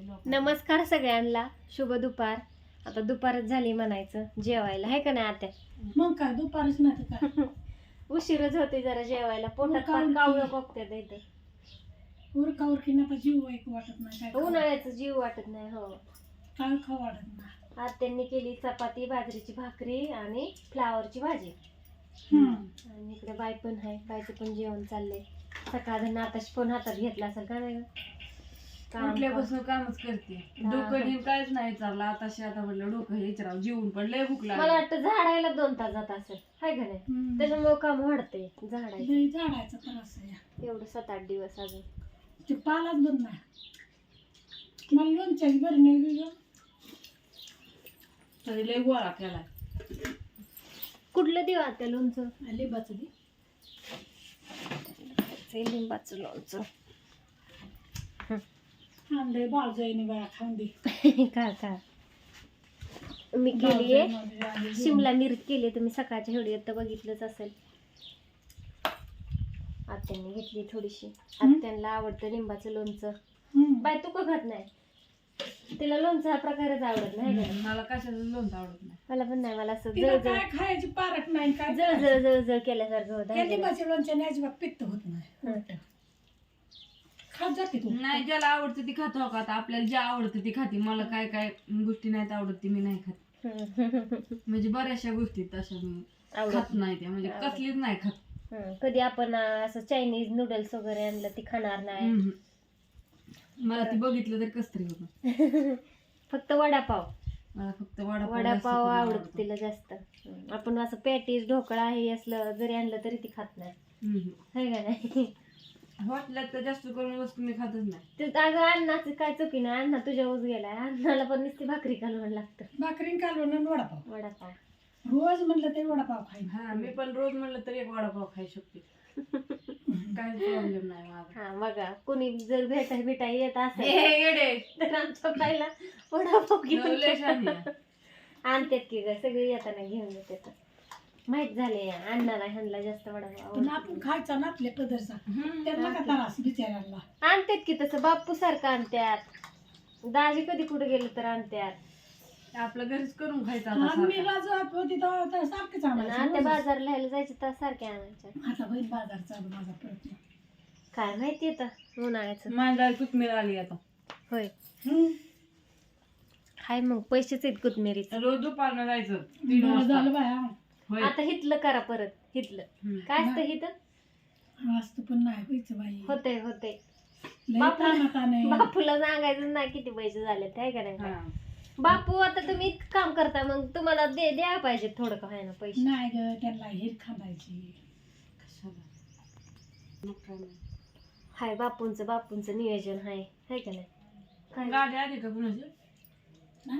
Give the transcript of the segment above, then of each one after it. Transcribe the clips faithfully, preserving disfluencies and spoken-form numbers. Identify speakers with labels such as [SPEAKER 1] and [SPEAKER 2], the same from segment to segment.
[SPEAKER 1] नमस्कार सगळ्यांना, शुभ दुपार. आता दुपारच झाली म्हणायचं जेवायला, आहे का नाही आत्या?
[SPEAKER 2] मग काय दुपारच नाही तर काय.
[SPEAKER 1] उशीरच होते जरा जेवायला, पोटात
[SPEAKER 2] उरका उरकी.
[SPEAKER 1] कावळं बघतात इथं.
[SPEAKER 2] उरका उरकी आता जीव एक वाटत नाही काय खाऊ.
[SPEAKER 1] उन्हाळ्याचं जीव वाटत नाही. हो,
[SPEAKER 2] काय खाऊ वाटत नाही.
[SPEAKER 1] आत्यांनी केली चपाती, बाजरीची भाकरी आणि फ्लावरची भाजी.
[SPEAKER 2] हम्म.
[SPEAKER 1] आणि इकडे बाय पण आहे, बायचं पण जेवण चाललंय. सकाळ आताच फोन हातात घेतला असेल का नाही? काम-
[SPEAKER 3] उठल्यापासून कामच करते. डोकं घेऊन काहीच नाही विचारलं. आताशी आता म्हणलं डोकं हे विचारावं, जेवून पण लय भूक
[SPEAKER 1] मला
[SPEAKER 3] लागली.
[SPEAKER 1] वाटतं झाडायला दोन तास जात असेल, हाय का नाही?
[SPEAKER 2] हम्म.
[SPEAKER 1] त्याच्यामुळे काम वाढतंय झाडायचं.
[SPEAKER 2] लय झाडायचा त्रास आहे.
[SPEAKER 1] एवढं सात आठ दिवस अजून
[SPEAKER 2] ते पालाच बंद नाही. मला लोणच्याची बरी नाही गेलं.
[SPEAKER 3] तरी लय गोळा केला.
[SPEAKER 1] कुठलं देऊ आता लोणचं?
[SPEAKER 2] लिंबाचं दे.
[SPEAKER 1] ते लिंबाचं लोणचं.
[SPEAKER 2] आणलंय बाळजाईने बाया खाऊन दे.
[SPEAKER 1] का का मी केलीये शिमला मिरची केली, तुम्ही सकाळच्या व्हिडिओत तर बघितलंच असेल. आत्यांनी घेतली थोडीशी. आत्यांना आवडतं लिंबाचं लोणचं.
[SPEAKER 2] हम्म.
[SPEAKER 1] बाय तू का खात नाही? तिला लोणचं हा प्रकारच आवडत नाही का?
[SPEAKER 3] मला कशाचं लोणचं आवडत नाही.
[SPEAKER 1] मला पण नाही. मला असं
[SPEAKER 2] तिला
[SPEAKER 1] जळजळ
[SPEAKER 2] काय खायची पारख नाही काय
[SPEAKER 1] जळजळ जळजळ केल्यासारखं होतं,
[SPEAKER 2] त्या
[SPEAKER 1] है का नाही?
[SPEAKER 2] लिंबाच्या लोणच्याने अजिबात पित्त होत नाही. उलटं. खात जाते तू.
[SPEAKER 3] नाही, ज्याला आवडतं ती खातो हो का. आता आपल्याला जे आवडतं ती खाते. मला काय काय गोष्टी नाहीत आवडत ती मी नाही खात. म्हणजे बऱ्याचशा गोष्टी तशा मी
[SPEAKER 1] आवडत
[SPEAKER 3] खात नाही त्या, म्हणजे
[SPEAKER 1] आवडत.
[SPEAKER 3] कसलीच नाही खात.
[SPEAKER 1] हं, कधी आपण अं, असं चायनीज नूडल्स वगैरे आणलं ती खाणार नाही.
[SPEAKER 3] हम्म. मला ती बघितलं तरी कस तरी होतं.
[SPEAKER 1] फक्त वडापाव
[SPEAKER 3] मला फक्त वडापाव जास्त
[SPEAKER 1] वडापाव
[SPEAKER 3] करून
[SPEAKER 1] आवडत
[SPEAKER 3] आवडतो.
[SPEAKER 1] तिला जास्त. हं, आपण असं पॅटीस ढोकळा हे असलं जरी आणलं तरी ती खात नाही,
[SPEAKER 3] हम्म.
[SPEAKER 1] है का नाही?
[SPEAKER 3] हॉटेलात तर जास्त करून वस्तू मी खातच नाही.
[SPEAKER 1] ते अगं अन्नाचं काय चुकी नाही, अण्णा तुझ्यावर गेलाय. अण्णाला पण नुसती भाकरी घालवून लागतं.
[SPEAKER 2] भाकरीन कालवण आणि वडापाव.
[SPEAKER 1] वडापाव
[SPEAKER 2] रोज म्हणलं तरी वडापाव खाईन.
[SPEAKER 3] हा, मी पण रोज म्हणलं तरी एक वडापाव खाऊ शकते. काही प्रॉब्लेम नाही माझा.
[SPEAKER 1] हा बघा, कोणी जर भेटाय भेटाय येत
[SPEAKER 3] हे
[SPEAKER 1] असेल
[SPEAKER 3] हे येडे.
[SPEAKER 1] तर आमच्या बाईला वडापाव घेऊन
[SPEAKER 3] लय शहाणी आहे.
[SPEAKER 1] आणतात की ग, सगळी येताना घेऊन येतात. माहित झाले अण्णाला ह्यांना जास्त वडापाव
[SPEAKER 2] पण
[SPEAKER 1] आवडतो.
[SPEAKER 2] आपण खायचा ना आपल्या पदरचा.
[SPEAKER 3] हम्म.
[SPEAKER 2] त्यांना का त्रास बिचाऱ्यांना.
[SPEAKER 1] आणतात की तसं बाप्पू सारखं आणतात. दाजी कधी कुठे गेलं तर आणतात.
[SPEAKER 3] आपलं घरीच करून खायचं आता
[SPEAKER 2] आणि मी
[SPEAKER 3] सारखं.
[SPEAKER 2] राजवात होती तेव्हा तर सारखंच
[SPEAKER 1] आणि आता
[SPEAKER 2] आणायचं.
[SPEAKER 1] बाजारला ह्याला जायचं तर सारखे आणायच्या.
[SPEAKER 2] आता बहीण बाजार चालू माझा प्रयत्न.
[SPEAKER 1] काय माहिती आता उन्हाळ्याचं.
[SPEAKER 3] माझ्या कोथमीर आली आता.
[SPEAKER 1] होय,
[SPEAKER 2] हम्म.
[SPEAKER 1] हाय मग पैसेच आहेत कोथमिरीच.
[SPEAKER 3] रोज दुपारनं जायचं तीन
[SPEAKER 2] बरं
[SPEAKER 3] वाजता.
[SPEAKER 2] झालं बाया.
[SPEAKER 3] होय.
[SPEAKER 1] आता हितलं करा परत, हितलं
[SPEAKER 3] हम्म.
[SPEAKER 1] काय असतं हिथं?
[SPEAKER 2] वास्तू पण नाही व्हायचं बाई.
[SPEAKER 1] होते होते
[SPEAKER 2] लय
[SPEAKER 1] बापू-
[SPEAKER 2] ताणात आहे.
[SPEAKER 1] बापूला सांगायचं नाही किती पैसे झाले ते, का नाही?
[SPEAKER 3] हा.
[SPEAKER 1] बापू आता तुम्ही इतकं काम करता, मग तुम्हाला दे द्या पाहिजे थोडं का व्हायना पैसे.
[SPEAKER 2] नाही ग त्यांना हिर खांदायची.
[SPEAKER 3] कशाला? मग काय नाही.
[SPEAKER 1] हाय बापूंचं बापूंचं नियोजन हाय, हाय का नाही? काय
[SPEAKER 3] गाडी आली का कुणाची?
[SPEAKER 2] नाही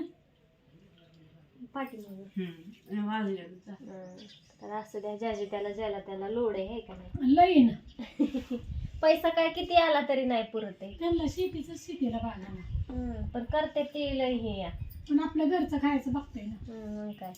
[SPEAKER 1] पाठीमागे
[SPEAKER 3] हम्म. वाजले आता.
[SPEAKER 1] हं. तर असं द्या, ज्याची त्याला ज्याला त्याला लोड आहे, हाय का नाही?
[SPEAKER 2] लई ना.
[SPEAKER 1] पैसा काय किती आला तरी नाही पुरत आहे.
[SPEAKER 2] त्यांना शेतीच शेतीला बागा ना.
[SPEAKER 1] हं, पण करते ते लय हे या.
[SPEAKER 2] पण आपलं घरचं खायचं बघताय ना.
[SPEAKER 1] हं, मग काय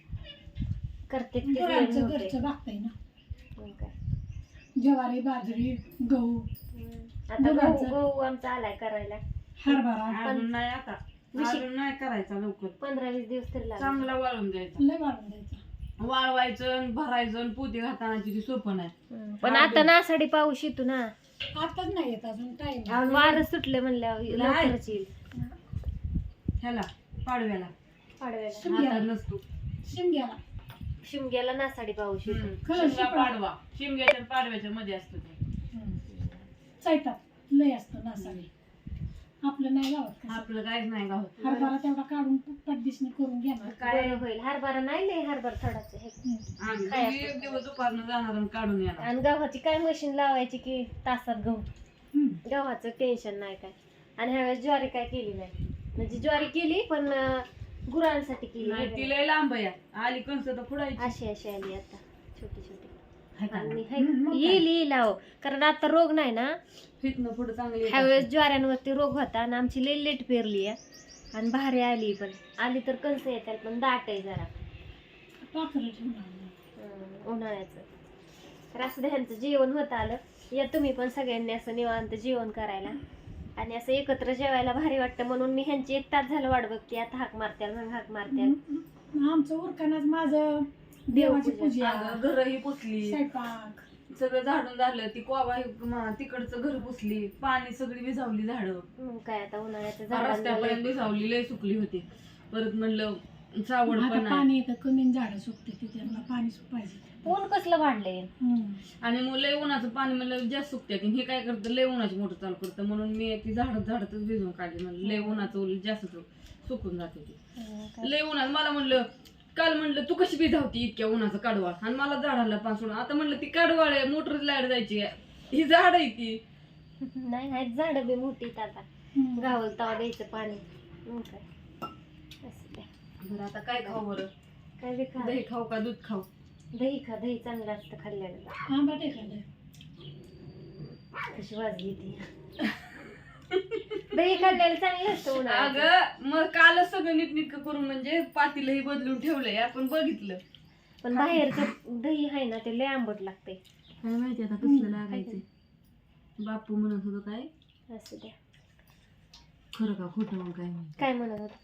[SPEAKER 1] करते ते लय
[SPEAKER 2] गुरांचं
[SPEAKER 1] नव्हते.
[SPEAKER 2] घरचं बघताय ना.
[SPEAKER 1] मग काय.
[SPEAKER 2] ज्वारी बाजरी गहू
[SPEAKER 1] हं. आता
[SPEAKER 2] गुरांचं.
[SPEAKER 1] गहू गहू आमचा आलाय करायला.
[SPEAKER 2] हरभरा
[SPEAKER 3] अजून नाही आता. अजून नाही करायचा लवकर.
[SPEAKER 1] पंधरा वीस दिवस तरी लागले.
[SPEAKER 3] चांगला वाळून द्यायचा.
[SPEAKER 2] लय वाढून द्यायचं.
[SPEAKER 3] वाळवायचं आणि भरायचं आणि पोती घाताना तिथे सोपं नाही.
[SPEAKER 1] हं. पण आता नासाडी पाऊस येतो ना,
[SPEAKER 2] आताच नाही येत अजून टाइम.
[SPEAKER 1] आणि वारं सुटले म्हणल्यावर लवकरच येईल.
[SPEAKER 3] ह्याला पाडव्याला
[SPEAKER 1] पाडव्याला
[SPEAKER 3] आता नसतो.
[SPEAKER 2] शिमग्याला
[SPEAKER 1] शिमग्याला नासाडी पाऊस येतो.
[SPEAKER 3] हम्म. शिमगा पाडवा शिमग्याच्या आणि पाडव्याच्या मध्ये असतो ते.
[SPEAKER 2] चैतात लय असतं नासाडी. आपलं नाही गावात कसं.
[SPEAKER 3] आपलं काहीच नाही गावात.
[SPEAKER 2] हरभरा तेवढा काढून पटदिशने करून घेणार.
[SPEAKER 3] काय
[SPEAKER 1] बरं होईल. हरभरा नाही लय हरभरा थोडाच आहे.
[SPEAKER 2] हम्म.
[SPEAKER 3] आम्ही
[SPEAKER 1] काय
[SPEAKER 3] दोघी एक दिवस दुपारनं जाणार आणि काढून येणार.
[SPEAKER 1] आणि गव्हाची काय मशीन लावायची की तासात गहू.
[SPEAKER 2] हम्म.
[SPEAKER 1] गव्हाचं टेन्शन नाही काय. आणि ह्यावेळेस ज्वारी काय केली नाही, म्हणजे ज्वारी केली पण अं, गुरांसाठी केली.
[SPEAKER 3] नाही ती लय लांब आहे. आली कंस तर फुडायची.
[SPEAKER 1] अशी अशी आली आता छोटी छोटी.
[SPEAKER 3] हाय का
[SPEAKER 1] आणि
[SPEAKER 3] नाही?
[SPEAKER 1] हाय-
[SPEAKER 2] हम्म, मग काय?
[SPEAKER 1] येईल येईल अहो, कारण आता रोग नाही ना.
[SPEAKER 3] हितनं पुढं चांगली येत
[SPEAKER 1] ह्यावेळेस
[SPEAKER 3] असते.
[SPEAKER 1] ज्वाऱ्यांवरती रोग होता आणि आमची लई लेट पेरली आहे आणि भारी आली, पण आली तर कंस येतात पण दाट आहे जरा.
[SPEAKER 2] पाखरं ठेवणार नाही.
[SPEAKER 1] हं, उन्हाळ्याचं. तर असं ह्यांचं जेवण होत आलं. या तुम्ही पण सगळ्यांनी असं निवांत जेवण करायला. आणि असं एकत्र जेवायला भारी वाटतं म्हणून मी ह्यांची एक तास झालं वाट बघते. आता हाक मारत्याल मग हाक मारत्याल.
[SPEAKER 2] आमचं उरकानाच माझं देवाची पूजा,
[SPEAKER 3] अगं घरही पुसली,
[SPEAKER 2] स्वयंपाक
[SPEAKER 3] सगळं झाडून झालं. ती कोबा म- तिकडचं घर पुसली, पाणी सगळी विझावली झाडं,
[SPEAKER 1] मग काय आता उन्हाळ्याचं
[SPEAKER 3] रस्त्यापर्यंत
[SPEAKER 1] झाड
[SPEAKER 3] विझावली, लय सुकली होती. परत म्हणलं सावड
[SPEAKER 2] आता
[SPEAKER 3] पण आहे
[SPEAKER 2] पाणी येतं कमी झाडं सुकते ते त्यांना पाणी पाहिजे.
[SPEAKER 1] ऊन कसलं वाढलंय.
[SPEAKER 2] हम्म.
[SPEAKER 3] आणि मग लय उन्हाचं पाणी म्हणलं जास्त सुकते की हे काय करतं, लय उन्हाची मोटर चालू करतं. म्हणून मी ती झाडत झाडतच भिजवून काढली. म्हणलं लय उन्हाचं ओलं जास्त सुकून जाते ती. लय उन्हात मला म्हणलं काल म्हणलं तू कशी भिजावती इतक्या उन्हाचं कडवाळ, आणि मला झाडाला पान सोडून. आता म्हणलं ती कडवाळ आहे, मोटर लाईट जायची आहे, ही झाड आहे ती.
[SPEAKER 1] नाही आहेत झाड बी मोठी आता
[SPEAKER 2] हम्म.
[SPEAKER 1] गावल तवा द्यायचं पाणी. मग काय असं द्या.
[SPEAKER 3] बरं आता काय खाऊ बरं,
[SPEAKER 1] काय बी खा.
[SPEAKER 3] दही खाऊ का दूध खाऊ?
[SPEAKER 1] दही खा, दही चांगलं असतं खाल्ल्यानं.
[SPEAKER 2] आंबट आहे खाल्लं.
[SPEAKER 1] कशी वाजली ती. दही खाल्ल्याला चांगलं असतं उन्हाळ्यात.
[SPEAKER 3] अगं मग कालच सगळं नीटनीटकं करून म्हणजे पातीलही बदलून ठेवलंय, आपण बघितलं.
[SPEAKER 1] पण बाहेरचं दही आहे ना ते लय आंबट लागतंय.
[SPEAKER 3] काय माहिती आता कसलं लागायचं. बापू म्हणत होतं काय
[SPEAKER 1] असं द्या.
[SPEAKER 3] खरं का खोटं मग काय माहिती.
[SPEAKER 1] काय म्हणत होत.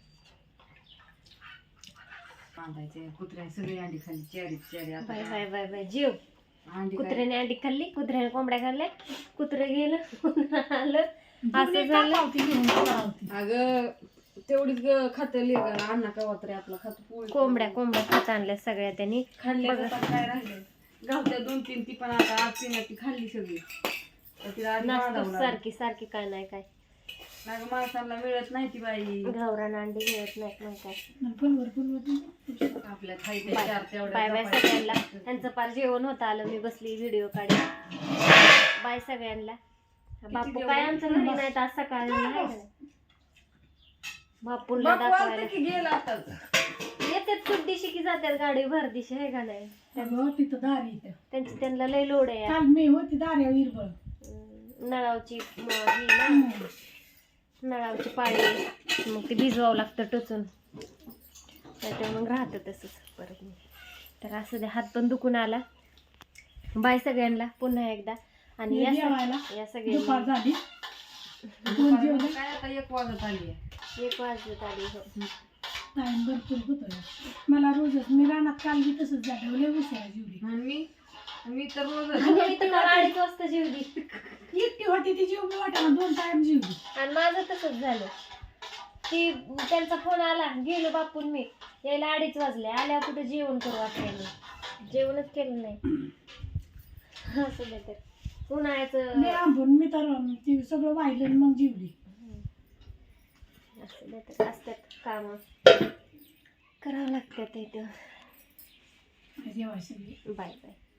[SPEAKER 3] बांधायचे कुत्र्या सगळी अंडी खाल्ली, चेरी चेरी. आता
[SPEAKER 1] बाय
[SPEAKER 3] काय?
[SPEAKER 1] बाय बाय बाय जीव.
[SPEAKER 3] अंडी काय?
[SPEAKER 1] कुत्र्याने अंडी खाल्ली, कुत्र्याने कोंबड्या खाल्ल्या, कुत्रे गेलं, कुत्रं आलं, असं
[SPEAKER 2] जुनी
[SPEAKER 1] झालं.
[SPEAKER 2] टाकावती घेऊन पळावती.
[SPEAKER 3] अगं तेवढीच ग खातं लिहिलं अण्णा कवा तरी आपला खात पोळी
[SPEAKER 1] कोंबड्या कोंबड्या खात आणल्या सगळ्या त्यांनी.
[SPEAKER 3] खाल्ल्या
[SPEAKER 1] बघा.
[SPEAKER 3] जातात, काय राहिले गावत्या दोन तीन, ती पण आता आज तिने ती खाल्ली सगळी. तर तिला आधी
[SPEAKER 1] नाचतो
[SPEAKER 3] बांधावं
[SPEAKER 1] सारखी सारखी काय नाही काय.
[SPEAKER 3] लागलं. माणसाला मिळत नाही ती बाई,
[SPEAKER 1] गावरान अंडी मिळत नाहीत मग काय.
[SPEAKER 2] आणि फुलवर फुलवर
[SPEAKER 3] आपल्या खायचे
[SPEAKER 1] बाय
[SPEAKER 3] चार तेवढ्या
[SPEAKER 1] बाय बाय
[SPEAKER 3] चपात्या.
[SPEAKER 1] सगळ्यांना. त्यांचं पार जेवण होतं आलं, मी बसली व्हिडिओ काढी. बाय सगळ्यांना. बापू
[SPEAKER 3] जेवण?
[SPEAKER 1] काय आमचं घरी नाहीत आज सकाळी नाही का? बापूला
[SPEAKER 3] बापू आलता
[SPEAKER 1] दाखवायला
[SPEAKER 3] की गेला आताच.
[SPEAKER 1] येतात खूप दिवशी की जातात गाडी भर दिशी आहे का नाही.
[SPEAKER 2] अगं तिथं दारी इथं.
[SPEAKER 1] त्यांची त्यांना लय लोड आहे.
[SPEAKER 2] काल मी होती दार्या विरबळ.
[SPEAKER 1] अं, नळावची म, ही ना नळावची पाळी मग ती भिजवावं लागतं टोचून, त्याच्यामुळे मग राहतं तसंच परत. मी तर असं दे, हात पण दुखून आला. बाय सगळ्यांना पुन्हा एकदा. आणि या
[SPEAKER 2] जेवायला
[SPEAKER 1] सग- या
[SPEAKER 2] दुपार
[SPEAKER 1] सगळ्यांनी
[SPEAKER 2] झाली. दोन जेवले.
[SPEAKER 3] काय आता एक वाजत आली आहे.
[SPEAKER 1] एक वाजत आली. हो.
[SPEAKER 2] टाइम भरपूर होतो. मला रोजच मी रानात काल बी तसंच झालं. लय उशिरा जेवली.
[SPEAKER 3] आणि मी मी तर रोज
[SPEAKER 1] आणि मी तर काल अडीच वाजता जेवली.
[SPEAKER 2] एकटी होती ती जेवली वाटाणा दोन टाइम जेवली.
[SPEAKER 1] आणि माझं तसंच झालं. ती त्यांचा फोन आला, गेलो बापून मी यायला अडीच वाजले. आल्यावर कुठे जेवण करू वाटलं, जेवणच केलं नाही. असं दे तर उन्हाळ्याचं.
[SPEAKER 2] लय आंबून मी तर ती सगळं वाहिलं आणि मग जेवली.
[SPEAKER 1] असं दे तर असतात कामं करावं लागतात इथं.
[SPEAKER 2] जेवायची.
[SPEAKER 1] Bye bye.